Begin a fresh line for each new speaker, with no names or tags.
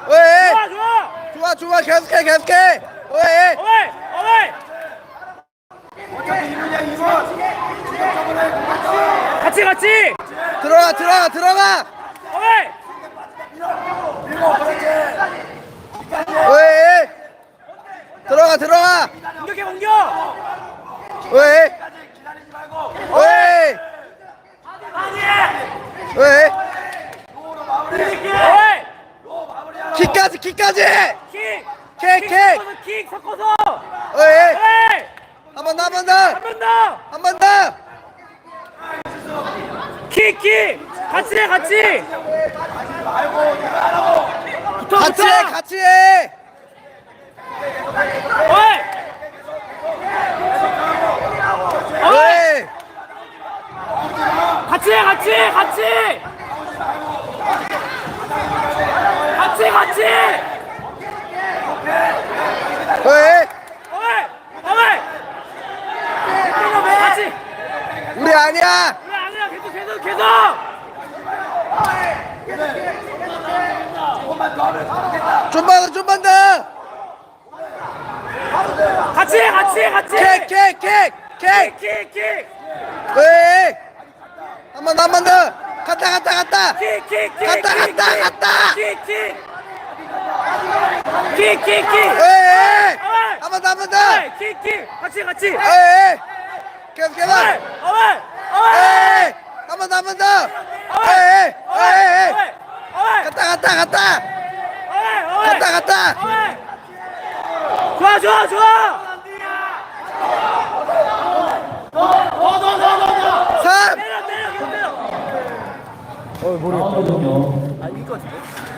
왜?
좋아 좋아.
좋아 좋아 계속해 계속해. 왜?
어웨이 어웨이. 같이 같이.
들어가 들어가 들어가.
어웨이.
왜? 들어가 들어가.
공격해 공격.
왜? 왜? 왜?
어웨이.
킥까지 킥까지.
킥.
킥, 킥.
섞어서 킥 섞어서.
왜?
어웨이.
한 번 더 한 번 더.
한 번 더.
한 번 더.
킥 킥. 같이 해 같이. 붙어
같이
붙어.
해 같이 해.
어웨이. 어웨이.
왜?
같이 해 같이 같이 같이 같이.
왜?
어웨이 어웨이. 같이.
우리 아니야.
그래 아니야 계속 계속 계속.
좀만 더 좀만 더.
같이 해 같이 해 같이.
킥.
킥킥.
왜? 한 번 더 한 번 더. 갔다.
킥킥킥.
갔다.
킥킥킥.
왜? 한 번 더 한 번 더.
킥킥. 같이 같이.
왜? 계속.
어웨이 어웨이 어웨이.
왜? 한 번 더 한 번 더. 왜? 갔다.
좋아.
3.
때려.
모르겠다.
아 이거 같은데?